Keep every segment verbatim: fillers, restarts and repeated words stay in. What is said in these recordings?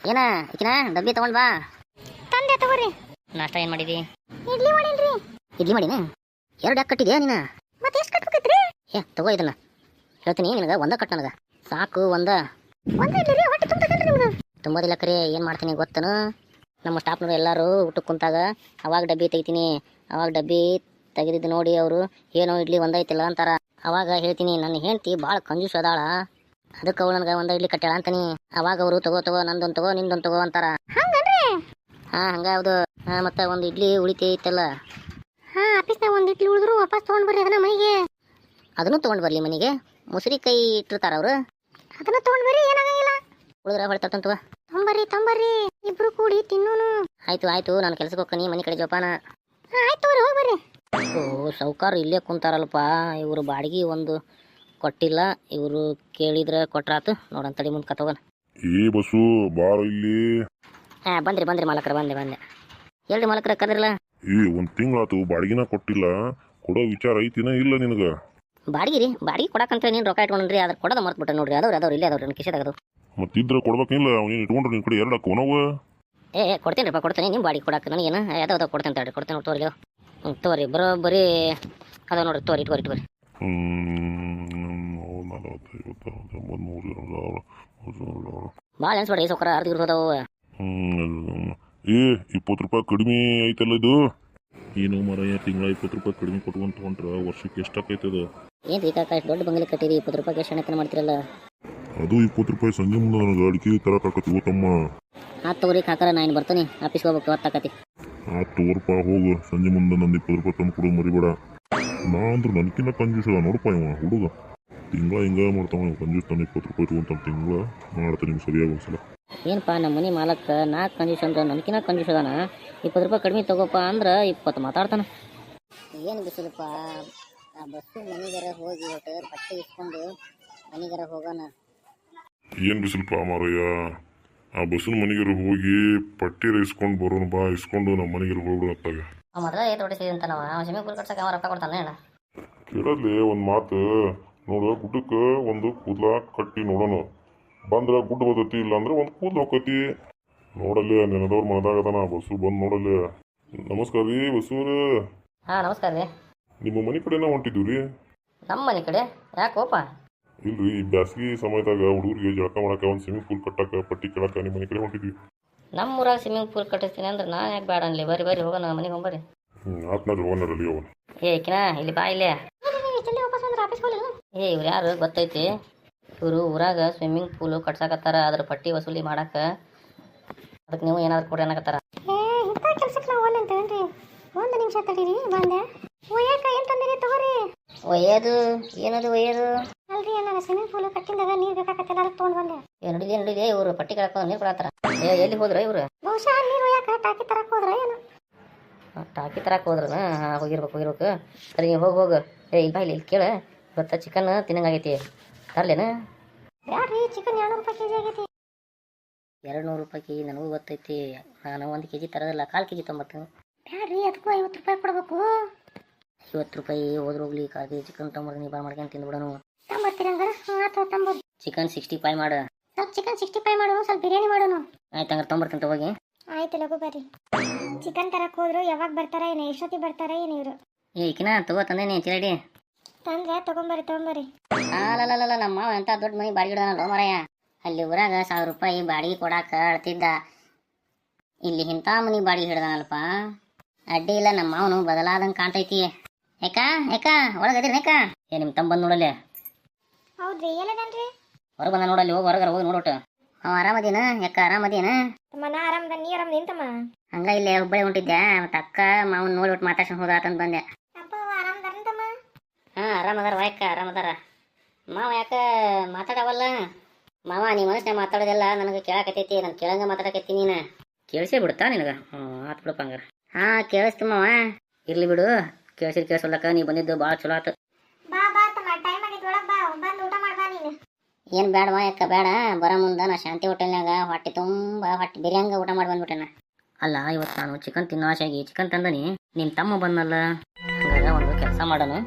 ಏನ ಈಕಿನ ಡಬ್ಬಿ ತಗೊಂಡ್ ಬಾ. ತಂದೆ ತಗೋರಿ. ನಾಷ್ಟ ಏನ್ ಮಾಡಿದಿ? ಇಡ್ಲಿ ಮಾಡೀನ್ರಿ. ಇಡ್ಲಿ ಮಾಡಿನ? ಎರಡು ಯಾಕೆ ಕಟ್ಟಿದ್ಯಾ ನೀನ? ಮತ್ತೆ ಎಷ್ಟು ಕಟ್ಬೇಕೈತ್ರಿ? ಏ ತಗೋ ಇದನ್ನ, ಹೇಳ್ತೀನಿ ನಿನಗೆ ಒಂದ ಕಟ್ ನನಗೆ ಸಾಕು. ಒಂದ ಒಂದ ಇಡ್ಲಿ ರೀ, ಹೊಟ್ಟೆ ತುಂಬತೈತ್ರಿ ನಿಮ್ಗೆ? ತುಂಬೋದಿಲ್ಲ ಕರೆ. ಏನು ಮಾಡ್ತೀನಿ ಗೊತ್ತನು, ನಮ್ಮ ಸ್ಟಾಫ್ನವ್ರು ಎಲ್ಲರೂ ಊಟಕ್ಕೆ ಕುಂತಾಗ ಅವಾಗ ಡಬ್ಬಿ ತೆಗಿತೀನಿ. ಅವಾಗ ಡಬ್ಬಿ ತೆಗೆದಿದ್ದು ನೋಡಿ ಅವರು ಏನೋ ಇಡ್ಲಿ ಒಂದೈತಿಲ್ಲ ಅಂತಾರ. ಅವಾಗ ಹೇಳ್ತೀನಿ ನನ್ನ ಹೆಂಡತಿ ಭಾಳ ಕಂಜೂಸ್ ಅದಾಳ, ಅದಕ್ಕೆ ಅವಳು ನನಗೆ ಒಂದ ಇಡ್ಲಿ ಕಟ್ಟಾಳ ಅಂತೀನಿ. ಅವಾಗ ಅವರು ತಗೋ ತಗೋ ನಂದೊಂದು ತಗೋ ನಿಂದೊಂದು ತಗೋ ಅಂತಾರ. ಹಂಗನ್ರಿ? ಹಾ ಹಂಗ ಹೌದು. ಹಾ ಮತ್ತೆ ಒಂದು ಇಡ್ಲಿ ಉಳಿತೈತಲ್ಲ, ಹಾ ಆಫೀಸ್ನಾಗ ಒಂದು ಇಡ್ಲಿ ಉಳಿದ್ರು ವಾಪಸ್ ತೊಗೊಂಡ್ ಬರ್ರಿ ಅದನ್ನ ಮನೆಗೆ. ಅದನ್ನು ತೊಗೊಂಡು ಬರಲಿ ಮನೆಗೆ. ಮುಸುರಿ ಕೈ ಇಟ್ಟಿರ್ತಾರ ಅವರು, ಅದನ್ನ ತೊಗೊಂಡ್ ಬರ್ರಿ, ಏನಾಗಂಗಿಲ್ಲ. ಉಳಿದ್ರ ಹೊಳ್ತಂತವ. ತೊಂಬರ್ರಿ ತೊಂಬರ್ರಿ, ಇಬ್ರು ಕೂಡಿ ತಿನ್ನೋನು. ಆಯ್ತು ಆಯ್ತು, ನಾನು ಕೆಲ್ಸಕ್ಕೆ ಹೋಗ್ತೀನಿ, ಮನೆ ಕಡೆ ಜೋಪಾನ. ಹಾ ಆಯ್ತು ತಗೋರಿ, ಹೋಗಿ ಬರ್ರಿ. ಓ ಸೌಕಾರ ಇಲ್ಲೇ ಕುಂತಾರಲ್ಪ, ಇವರು ಬಾಡಿಗೆ ಒಂದು ಕೊಟ್ಟಿಲ್ಲ. ಇವರು ಕೇಳಿದ್ರೆ ಕೊಟ್ರಾತು. ನೋಡಂತಡಿ ಮುಂದೆ ಕತ್ತೋಗನ. ಏ ಬಸ್ಸು ಬಾರ ಇಲ್ಲಿ. ಹಾ ಬಂದ್ರಿ ಬಂದ್ರಿ ಮಾಲಕರ, ಬಂದೆ ಬಂದೆ. ಹೇಳ್ರಿ ಮಾಲಕರ ಕದ್ರಲ್ಲ. ಏ ಒಂದ್ ತಿಂಗಳಾತು ಬಾಡಿಗೆನ ಕೊಟ್ಟಿಲ್ಲ, ಕೊಡೋ ವಿಚಾರ ಐತಿನ ಇಲ್ಲ ನಿನಗ? ಬಾಡಿಗೆ ರೀ, ಬಾಡಿಗೆ ಕೊಡಕಂತ ನೀನು ರೊಕ್ಕ ಇಟ್ಕೊಂಡ್ರಿ, ಅದ್ರ ಕೊಡೋದ ಮರ್ತ್ಬಿಟ್ಟೆ ನೋಡ್ರಿ. ಅದವ್ರು ಅದವ್ರು ಇಲ್ಲೇ ಅದವ್ರು ನನ್ನ ಕಿಶೆದಾಗ. ಮತ್ತಿದ್ರ ಕೊಡ್ಬೇಕಿಲ್ಲ, ಅವನೇನು ಇಟ್ಕೊಂಡ್ರೆ ನಿನ್ ಕಡೆ ಎರಡು ಕೊನವ. ಏ ಕೊಡ್ತೀನಿ ರೀ, ಕೊಡ್ತೀನಿ. ನಿಮ್ಮ ಬಾಡಿಗೆ ಕೊಡಕ್ಕೆ ನನಗೇನು ಯಾವ್ದಾವ್ದು ಕೊಡ್ತೇನೆ ತಡ್ರಿ, ಕೊಡ್ತೇನೆ ತೋರಿ. ಹ್ಞೂ ತೋರಿ, ಬರೋಬ್ಬರಿ ಅದಾವ ನೋಡ್ರಿ. ತೋರಿ ಇಟ್ಕೋರಿ ಇಟ್ಕೋರಿ. ಭಾಳ ಅನ್ಸ್ಬೇಡ್ರಿ ಸೌಕರ, ಅರ್ಧ ಇರ್ಬೋದವು. ಹ್ಮ್ ಏ ಇಪ್ಪತ್ತು ರೂಪಾಯಿ ಕಡಿಮೆ ಐತಲ್ಲ ಇದು. ಏನು ಮರ ತಿಂಗಳ ಇಪ್ಪತ್ತು ರೂಪಾಯಿ ಕಡಿಮೆ ಕೊಟ್ಕೊಂಡ್ ತಗೊಂಡ್ರ ವರ್ಷಕ್ಕೆ ಎಷ್ಟಾಕೈತದ? ಏನು ರೀ ಕಾಕ, ಇಷ್ಟು ದೊಡ್ಡ ಬಂಗಲೆ ಕಟ್ಟಿರಿ, ಇಪ್ಪತ್ತು ರೂಪಾಯಿಗೆ ಎಷ್ಟು ಹಣತನ ಮಾಡ್ತಿರಲ್ಲ? ಅದು ಇಪ್ಪತ್ತು ರೂಪಾಯಿ ಸಂಜೆ ಮುಂದೆ ನನಗೆ ಅಡಿಕೆ ತರಕಾಕತಿ ಓತಮ್ಮ. ಆತ್ ತಗೋರಿ ಕಾಕರ, ನಾನು ಬರ್ತೀನಿ, ಆಫೀಸ್ಗೆ ಹೋಗ್ಬೇಕು, ಹೊತ್ತಾಕತಿ. ಆತು ರೂಪ ಹೋಗು, ಸಂಜೆ ಮುಂದೆ ನಂದು ಇಪ್ಪತ್ತು ರೂಪಾಯಿ ತಂದು ಕೊಡು ಮರಿಬೇಡ. ನಾ ಅಂದ್ರೆ ನನ್ಕಿನ್ನ ಕಂಜೂಸ್ ಅದ ನೋಡಪ್ಪ ಇವ ಹುಡುಗ. ತಿಂಗಳ ಹಿಂಗ ಮಾಡ್ತಾವ ಕಂಜೂಸ್, ತಾನು ಇಪ್ಪತ್ತು ರೂಪಾಯಿ ಇಟ್ಕೊಂತಾನೆ ತಿಂಗಳ. ಮಾಡ್ತಾನೆ ನಿಮ್ಗೆ ಸರಿಯಾಗಿ ಒಂದ್ಸಲ. ಏನಪ್ಪ ನಮ್ಮ ಮನೆ ಮಾಲಕ್ಕ ನಾಲ್ಕು ಕಂಜೂಸ್ ಅಂದ್ರೆ ನನ್ಕಿನ್ನ ಕಂಜೂಸ್ ಅದಾನ. ಇಪ್ಪತ್ತು ರೂಪಾಯಿ ಕಡಿಮೆ ತಗೋಪ್ಪ ಅಂದ್ರೆ ಇಪ್ಪತ್ತು ಮಾತಾಡ್ತಾನೆ. ಏನು ಬಿಸಿಲಪ್ಪ, ಆ ಬಸ್ಸು ಮನೆಗಾರ ಹೋಗಿ ಒಟ್ಟು ಬಟ್ಟೆ ಇಸ್ಕೊಂಡು ಮನೆಗಾರ ಹೋಗೋಣ. ಏನು ಬಿಸಿಲಪ್ಪ ಮಾರಯ್ಯ, ಆ ಬಸ್ಸಿನ ಮನೆಗೆ ಹೋಗಿ ಪಟ್ಟಿ ಇಸ್ಕೊಂಡು ಬರೋಣ ಬಾ, ಇಸ್ಕೊಂಡು ನಮ್ಮ ಮನೆಗೆ ಹೋಗ್ಬಿಡು ಅತ್ತಾಗ. ಮೊದಲ ಏತ್ ಹೊಡಿಸಿದ ಅಂತ ನಾವು ಸ್ವಿಮ್ಮಿಂಗ್ ಪೂಲ್ ಕಟ್ಸಕ್ಕೆ ಅವ ರೊಕ್ಕ ಕೊಡ್ತಾನೆ ಹೇಳ. ಕೇಳಲ್ಲಿ ಒಂದು ಮಾತು ನೋಡು, ಗುಡ್ಡಕ್ಕೆ ಒಂದು ಕೂದಲ ಕಟ್ಟಿ ನೋಡೋಣ. ಬಂದ್ರೆ ಗುಡ್ಡ ಬರ್ತೈತಿ, ಇಲ್ಲ ಅಂದ್ರೆ ಒಂದು ಕೂದಲು ಹೋಗ್ತೈತಿ. ನೋಡಲ್ಲಿ ನೆನದವ್ರ ಮನದಾಗದಾನ ಬಸ್ಸು, ಬಂದು ನೋಡಲ್ಲಿ. ನಮಸ್ಕಾರ ರೀ ಬಸ್ಸೂರು. ಹಾಂ ನಮಸ್ಕಾರ ರೀ. ನಿಮ್ಮ ಮನೆ ಕಡೆನ ಹೊಂಟಿದ್ದೀವಿ ರೀ. ನಮ್ಮ ಮನೆ ಕಡೆ ಯಾಕೋಪ? ಇಲ್ರಿ, ಈ ಬ್ಯಾಸಗಿ ಸಮಯದಾಗ ಹುಡುಗರಿಗೆ ಜಳಕ ಮಾಡಕ್ಕೆ ಒಂದು ಸ್ವಿಮ್ಮಿಂಗ್ ಪೂಲ್ ಕಟ್ಟಕ್ಕೆ ಪಟ್ಟಿ ಕೇಳಕ್ಕೆ ನಿಮ್ಮ ಮನೆ ಕಡೆ ಹೊಂಟಿದ್ವಿ. ನಮ್ಮ ಊರಾಗ ಸ್ವಿಮ್ಮಿಂಗ್ ಪೂಲ್ ಕಟ್ಟಿಸ್ತೀನಿ ಅಂದ್ರೆ ನಾನು ಯಾಕೆ ಬೇಡ ಅನ್ಲಿ? ಬರ್ರಿ ಬರ್ರಿ ಹೋಗೋಣ ಮನೆಗೆ ಹೋಗ್ಬರ್ರಿ. ಹ್ಞೂ ಆತ್ನಾಡ್ರಿ ಹೋಗೋಣರಲ್ಲಿ ಅವನು. ಏ ಕಿನಾ ಇಲ್ಲಿ ಬಾ ಇಲ್ಲೇ. ಜಲ್ದಿ ವಾಪಸ್ ಬಂದ್ರೆ ಆಫೀಸ್ ಹೋಗಲಿ. ಏ ಇವ್ರು ಯಾರು ಗೊತ್ತೈತಿ? ಇವರು ಊರಾಗ ಸ್ವಿಮ್ಮಿಂಗ್ ಪೂಲು ಕಟ್ಸಾಕತ್ತಾರ, ಅದ್ರ ಪಟ್ಟಿ ವಸೂಲಿ ಮಾಡಕ್ಕೆ. ಅದಕ್ಕೆ ನೀವು ಏನಾದ್ರು ಕೊಡ್ರಿ ಅನ್ನಕತ್ತಾರ. ಏ ಇಂಥ ಕೆಲ್ಸಕ್ಕೆ ನಾವು ಒಲ್ಲೆ ಅಂತೇನ್ರಿ? ಒಂದು ನಿಮಿಷ ತಡೀರಿ, ಬಂದೆ. ಒಯ್ಯಾಕ ಏನು ತಂದಿರಿ ತಗೋರಿ. ಒಯ್ಯೋದು ಏನದು ಒಯ್ಯೋದು? ಅಲ್ರಿ, ನಾನು ಸ್ವಿಮ್ಮಿಂಗ್ ಪೂಲ್ ಕಟ್ಟಿಂದಾಗ ನೀರು ಬೇಕಾಗತ್ತಲ್ಲ, ಅದಕ್ಕೆ ತೊಗೊಂಡು ಬಂದೆ. ಏ ನಡಿದೆ ನಡಿದೆ, ಇವರು ಪಟ್ಟಿ ಕಳ್ಕೊಂಡು ನೀರು ಕೊಡತ್ತಾರ. ಏ ಎಲ್ಲಿ ಹೋದ್ರ ಇವರು? ಬಹುಶಃ ನೀರು ಒಯ್ಯಾಕ ಟಾಕಿ ತರಕ್ಕೆ ಹೋದ್ರ ಏನು? ಟಾಕಿ ತರಕ್ಕೆ ಹೋದ್ರ? ಹಾಂ ಹೋಗಿರ್ಬೇಕು ಹೋಗಿರ್ಬೇಕು. ಸರಿ ನೀವು ಹೋಗಿ ಹೋಗು. ಏ ಇಲ್ಲ ಇಲ್ಲಿ ಇಲ್ಲಿ ಕೇಳ, ಇವತ್ತು ಚಿಕನ್ ತಿನ್ನಂಗಾಗೈತಿ, ತರ್ಲೇನ? ಬ್ಯಾಡ್ರಿ, ಚಿಕನ್ ಎರಡು ನೂರು ರೂಪಾಯಿ ಕೆ ಜಿ ಆಗೈತಿ. ಎರಡು ನೂರು ರೂಪಾಯಿ ಕೆ ಜಿ ನನಗೂ ಗೊತ್ತೈತಿ. ನಾನು ಒಂದು ಕೆ ಜಿ ತರೋದಿಲ್ಲ, ಕಾಲು ಕೆ ಜಿ ತೊಂಬತ್ತು. ಬ್ಯಾಡ್ರಿ, ಅದಕ್ಕೂ ಐವತ್ತು ರೂಪಾಯಿ ಕೊಡ್ಬೇಕು. ಐವತ್ತು ರೂಪಾಯಿ ಹೋದ್ರೆ ಹೋಗ್ಲಿ, ಕಾಲು ಕೆ ಜಿ ಚಿಕನ್ ತೊಂಬರ್ದು ನೀ ಬಾ ಮಾಡ್ಕೊಂಡು ತಿಂದ್ಬಿಡೋನು. ತಂಬರ್ತೀರಿ ಹಂಗಾರ? ಹಾಂ ಆತು ತಂಬೋದು. ಚಿಕನ್ ಸಿಕ್ಸ್ಟಿ ಫೈವ್ ಮಾಡು. ಸ್ವಲ್ಪ ಚಿಕನ್ ಸಿಕ್ಸ್ಟಿ ಫೈವ್ ಮಾಡೋನು, ಸ್ವಲ್ಪ ಬಿರಿಯಾನಿ ಮಾಡೋನು. ಆಯ್ತು ಹಂಗಾರೆ ತೊಂಬರ್ತೀನಿ ಹೋಗಿ. ಆಯ್ತು ಲಘು ಬರ್ರಿ. ಚಿಕನ್ ತರಕ್ಕೆ ಹೋದ್ರು, ಯಾವಾಗ ಬರ್ತಾರ ಏನು, ಎಷ್ಟೊತ್ತಿಗೆ ಬರ್ತಾರ ಏನು ಇವರು? ಏ ಕಿನ ತಗೋ ತಂದೇನಿ ಚಿರಡಿ. ತಂದ್ರೆ ತೊಗೊಂಬರ್ರಿ ತೊಗೊಂಬರ್ರಿ. ಅಲ್ಲಲ್ಲ ನಮ್ಮ ಮಾವ ಎಂಥ ದೊಡ್ಡ ಮನೆ ಬಾಡಿಗೆ ಇಡೋನಲ್ಲ ಮರಯ್ಯ. ಅಲ್ಲಿ ಊರಾಗ ಸಾವಿರ ರೂಪಾಯಿ ಬಾಡಿಗೆ ಕೊಡಾಕ ಅಳ್ತಿದ್ದ, ಇಲ್ಲಿ ಇಂಥ ಮನೆ ಬಾಡಿಗೆ ಹಿಡ್ದಾನಲ್ಪ. ಅಡ್ಡಿ ಇಲ್ಲ, ನಮ್ಮ ಮಾವನು ಬದಲಾದಂಗೆ ಕಾಣ್ತೈತಿ. ಯಾಕ ಯಾಕ ಒಳಗದಿರಿ ಯಾಕ? ಏ ನಿಮ್ಮ ತಮ್ಮ ಬಂದು ನೋಡಲ್ಲಿ. ಹೌದ್ರಿ, ಏನದನ್ರಿ? ಹೊರಗೆ ಬಂದ ನೋಡಲ್ಲಿ, ಹೋಗಿ ಹೊರಗಾರ ಹೋಗಿ ನೋಡೋಟು. ಅವ ಆರಾಮದೇನ? ಯಾಕ ಆರಾಮದೇನ? ತಮ್ಮ ನಾ ಆರಾಮದ, ನೀ ಆರಾಮ ನಿಂತಮ್ಮ? ಹಂಗ ಇಲ್ಲೇ ಹುಬ್ಬಳ್ಳಿ ಹೊಂಟಿದ್ದೆ, ಮತ್ತೆ ಅಕ್ಕ ಮಾವನ್ ನೋಡ್ಬಿಟ್ಟು ಮಾತಾಡ್ಸ್ಕೊಂಡು ಹೋದಾತಂತ ಬಂದೆ. ಅಪ್ಪ ಆರಾಮದಾರಂತಮ್ಮ? ಹಾಂ ಆರಾಮದಾರ ವಾಯಕ್ಕ, ಆರಾಮದಾರ. ಮಾವ ಯಾಕ ಮಾತಾಡವಲ್ಲ? ಮಾವ ನೀ ಮನಸ್ಸಿನಾಗ ಮಾತಾಡೋದೆಲ್ಲ ನನಗೆ ಕೇಳಾಕತ್ತೈತಿ, ನಾನು ಕೇಳಂಗ ಮಾತಾಡಕತ್ತಿ. ನೀನು ಕೇಳಿಸೇ ಬಿಡುತ್ತಾ ನಿನಗೆ? ಹ್ಞೂ ಆತು ಬಿಡಪ್ಪ ಹಂಗಾರ. ಹಾಂ ಕೇಳಿಸ್ತು ಮಾವ, ಇರ್ಲಿ ಬಿಡು. ಕೇಳಿಸಿದ್ ಕೇಳಿಸೋಲ್ಲಕ್ಕ, ನೀ ಬಂದಿದ್ದು ಭಾಳ ಚಲೋ ಆತು. ಬಾ ಬಾ ತಮ್ಮ, ಟೈಮ್ ಆಗಿತ್ತು, ಒಳಗೆ ಬಾ, ಬಂದು ಊಟ ಮಾಡ್ಬಾ ನೀನು. ಏನು ಬೇಡವಾ ಯಾಕ ಬೇಡ, ಬರೋ ಮುಂದೆ ನಾ ಶಾಂತಿ ಹೋಟೆಲ್ನಾಗ ಹೊಟ್ಟೆ ತುಂಬ ಹೊಟ್ಟೆ ಬಿರಿಯಂಗ ಊಟ ಮಾಡಿ ಬಂದ್ಬಿಟ್ಟೆನ. ಅಲ್ಲ ಇವತ್ತು ನಾನು ಚಿಕನ್ ತಿನ್ನೋ ಆಸೆಯಾಗಿ ಚಿಕನ್ ತಂದನಿ, ನಿಮ್ಮ ತಮ್ಮ ಬಂದಲ್ಲ. ಹಂಗಾಗ ಒಂದು ಕೆಲಸ ಮಾಡೋನು,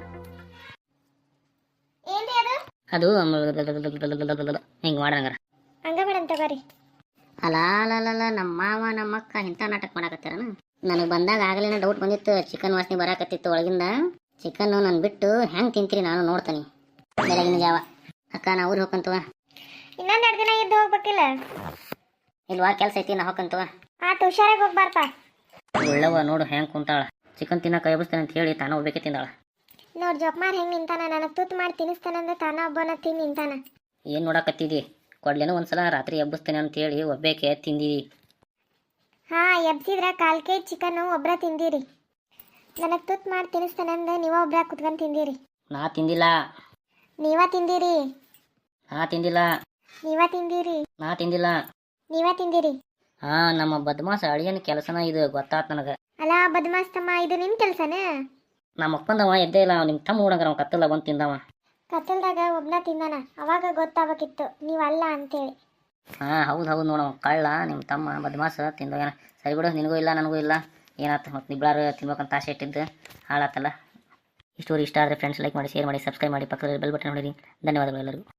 ಅದು ಹಿಂಗೆ ಮಾಡಂಗಾರ. ಹಂಗ ಮಾಡಂತ ಬರ್ರಿ. ಅಲ್ಲ ಅಲ್ಲ ನಮ್ಮ ಮಾವ ನಮ್ಮ ಅಕ್ಕ ಇಂಥ ನಾಟಕ ಮಾಡಾಕತ್ತಾರನ. ನನಗೆ ಬಂದಾಗ ಆಗಲಿನ ಡೌಟ್ ಬಂದಿತ್ತು, ಚಿಕನ್ ವಾಸನೆ ಬರಾಕತ್ತಿತ್ತು ಒಳಗಿಂದ. ಚಿಕನ್ನು ನಾನು ಬಿಟ್ಟು ಹೆಂಗೆ ತಿಂತೀರಿ ನಾನು ನೋಡ್ತೀನಿ ಬೆಳಗಿನ ಜಾವ. ಅಕ್ಕ ನಾ ಊರಿಗೆ ಹೋಗ್ಕಂತವ. ಇನ್ನೊಂದು ಎರಡು ದಿನ ಇದ್ದು ಹೋಗ್ಬೇಕಿಲ್ಲ? ಇಲ್ವಾ ಕೆಲಸ ಐತಿ ನಾ ಹೋಗ್ಕಂತವ. ಆತು ಹುಷಾರಾಗಿ ಹೋಗ್ಬಾರ್ಪಾ. ಒಳ್ಳವ ನೋಡು ಹೆಂಗೆ ಕುಂತಾಳ, ಚಿಕನ್ ತಿನ್ನಕ್ಕೆ ಎಬ್ಬಿಸ್ತೇನೆ ಅಂತ ಹೇಳಿ ತಾನು ಒಬ್ಬಕ್ಕೆ ತಿಂದಾಳ. ನೋಡ್ ಜೋಕ್ಮಾರ್ ಹೆಂಗ್ ನಿಂತಾನ, ನನಗೆ ತುತ್ತು ಮಾಡಿ ತಿನ್ನಿಸ್ತಾನಂದ್ರೆ ತಾನ ಒಬ್ಬನ ತಿಂದು ನಿಂತಾನ. ಏನು ನೋಡಕತ್ತಿದಿ? ಕೊಡ್ಲೇನೋ ಒಂದ್ಸಲ ರಾತ್ರಿ ಎಬ್ಬಿಸ್ತೇನೆ ಅಂತ ಹೇಳಿ ಒಬ್ಬೇಕೆ ತಿಂದಿದಿ. ಹಾ ಎಬ್ಸಿದ್ರ ಕಾಲ್ ಕೆ ಜಿ ಚಿಕನ್ನು ಒಬ್ರ ತಿಂದಿರಿ. ನನಗೆ ತುತ್ತು ಮಾಡಿ ತಿನ್ನಿಸ್ತಾನಂದ್ರೆ ನೀವ ಒಬ್ರ ಕುತ್ಕೊಂಡು ತಿಂದಿರಿ. ನಾ ತಿಂದಿಲ್ಲ. ನೀವ ತಿಂದಿರಿ. ನಾ ತಿಂದಿಲ್ಲ. ನೀವ ತಿಂದಿರಿ. ನಾ ತಿಂದಿಲ್ಲ. ನೀವ ತಿಂದಿರಿ. ಹಾ ನಮ್ಮ ಬದ್ಮಾಸ ಅಳಿಯನ ಕೆಲಸನ ಇದು ಗೊತ್ತಾತ್ ನನಗೆ. ಅಲ್ಲ ಬದ್ಮಾಸ್ತಮ್ಮ, ಇದು ನಿಮ್ ಕೆಲ್ಸನೇ? ನಮ್ಮ ಅಪ್ಪಂದವ ಎದ್ದೇ ಇಲ್ಲ, ನಿಮ್ಮ ತಮ್ಮ ಹುಡುಗರ ಅವ ಕತ್ತಲ್ಲ ಬಂದು ತಿಂದವ. ಕತ್ತಲ್ದಾಗ ಒಬ್ನ ತಿಂದಾನ, ಅವಾಗ ಗೊತ್ತಾಗಬೇಕಿತ್ತು ನೀವಲ್ಲ ಅಂತೇಳಿ. ಹಾ ಹೌದು ಹೌದು ನೋಡವ ಕಳ್ಳ ನಿಮ್ಮ ತಮ್ಮ ಬದ್ಮಾಸ ತಿಂದೋಗ್ಯಾನ. ಸರಿ ಬಿಡು, ನಿನಗೂ ಇಲ್ಲ ನನಗೂ ಇಲ್ಲ, ಏನಾಯ್ತು ಮತ್ತು ನಿಬ್ಳಾರು ತಿನ್ಬೇಕಂತ ಆಸೆ ಇಟ್ಟಿದ್ದು ಹಾಳಾತಲ್ಲ. ಈ ಸ್ಟೋರಿ ಇಷ್ಟ ಆದರೆ ಫ್ರೆಂಡ್ಸ್ ಲೈಕ್ ಮಾಡಿ, ಶೇರ್ ಮಾಡಿ, ಸಬ್ಸ್ಕ್ರೈಬ್ ಮಾಡಿ, ಪಕ್ಕದಲ್ಲಿ ಬೆಲ್ ಬಟನ್ ಹೊಡೀರಿ. ಧನ್ಯವಾದಗಳು ಎಲ್ಲರಿಗೂ.